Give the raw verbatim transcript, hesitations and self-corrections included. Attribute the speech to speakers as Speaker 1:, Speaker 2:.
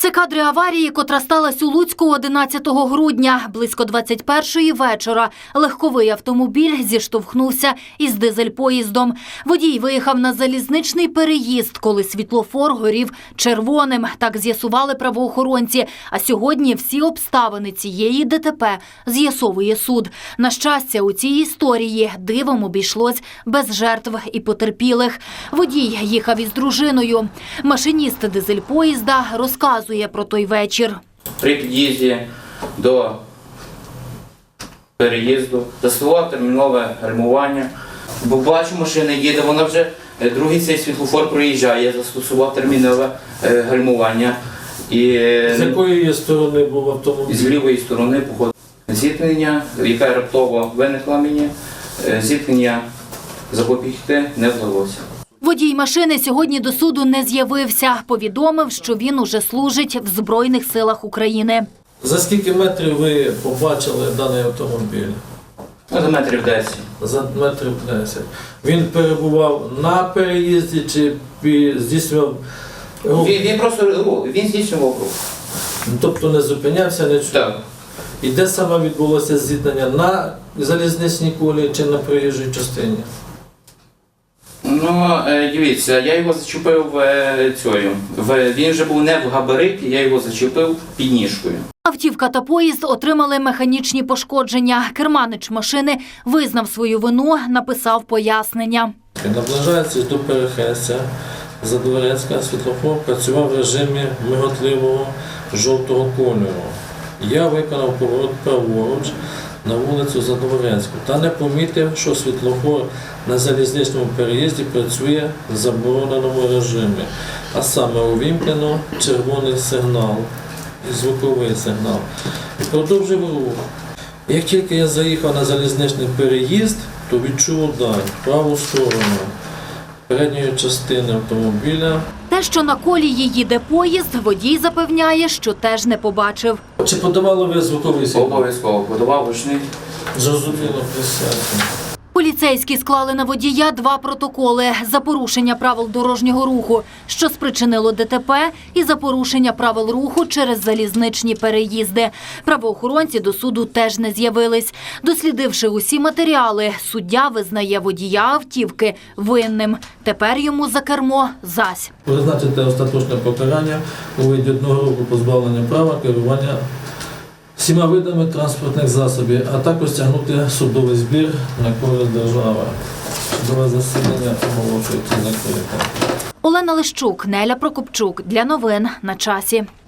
Speaker 1: Це кадри аварії, котра сталася у Луцьку одинадцятого грудня. Близько двадцять першої вечора легковий автомобіль зіштовхнувся із дизель-поїздом. Водій виїхав на залізничний переїзд, коли світлофор горів червоним. Так з'ясували правоохоронці. А сьогодні всі обставини цієї ДТП з'ясовує суд. На щастя, у цій історії дивом обійшлось без жертв і потерпілих. Водій їхав із дружиною. Машиніст дизель-поїзда розказує про той вечір.
Speaker 2: При під'їзді до переїзду застосував термінове гальмування. Бо бачу, машина їде, вона вже другий цей світлофор проїжджає. Я застосував термінове гальмування. І
Speaker 3: з якої сторони був автомобіль?
Speaker 2: З лівої сторони походу. Зіткнення, яке раптово виникло мені, зіткнення запобігти не вдалося.
Speaker 1: Водій машини сьогодні до суду не з'явився. Повідомив, що він уже служить в Збройних силах України.
Speaker 3: За скільки метрів ви побачили даний автомобіль?
Speaker 2: За метрів десять.
Speaker 3: За метрів десять. Він перебував на переїзді чи здійснював рух?
Speaker 2: Він, він просто рух, він здійснював рух.
Speaker 3: Тобто не зупинявся, не чув?
Speaker 2: Так.
Speaker 3: І де саме відбулося зіткнення? На залізничній колії чи на проїжджій частині?
Speaker 2: Ну, дивіться, я його зачепив цією. Він вже був не в габариті, я його зачепив підніжкою.
Speaker 1: Автівка та поїзд отримали механічні пошкодження. Керманич машини визнав свою вину, написав пояснення.
Speaker 3: Наближаючись до перехрестя Задворецька, світлофор працював в режимі миготливого жовтого кольору. Я виконав поворот праворуч на вулицю Задворецьку та не помітив, що світлофор на залізничному переїзді працює в забороненому режимі, а саме увімкнено червоний сигнал і звуковий сигнал. І продовжив рух. Як тільки я заїхав на залізничний переїзд, то відчув удар в праву сторону передньої частини автомобіля.
Speaker 1: Те, що на колії їде поїзд, водій запевняє, що теж не побачив.
Speaker 3: Чи подавали ви звуковий сигнал?
Speaker 2: Обов'язково подавав гучний.
Speaker 3: Зрозуміло, присядьте.
Speaker 1: Поліцейські склали на водія два протоколи за порушення правил дорожнього руху, що спричинило ДТП, і за порушення правил руху через залізничні переїзди. Правоохоронці до суду теж не з'явились. Дослідивши усі матеріали, суддя визнає водія автівки винним. Тепер йому за кермо зась.
Speaker 3: Призначити остаточне покарання у виді одного року позбавлення права керування всіма видами транспортних засобів, а також стягнути судовий збір на користь держави. Судове засідання оголошується закритим.
Speaker 1: Олена Лищук, Неля Прокопчук. Для новин на часі.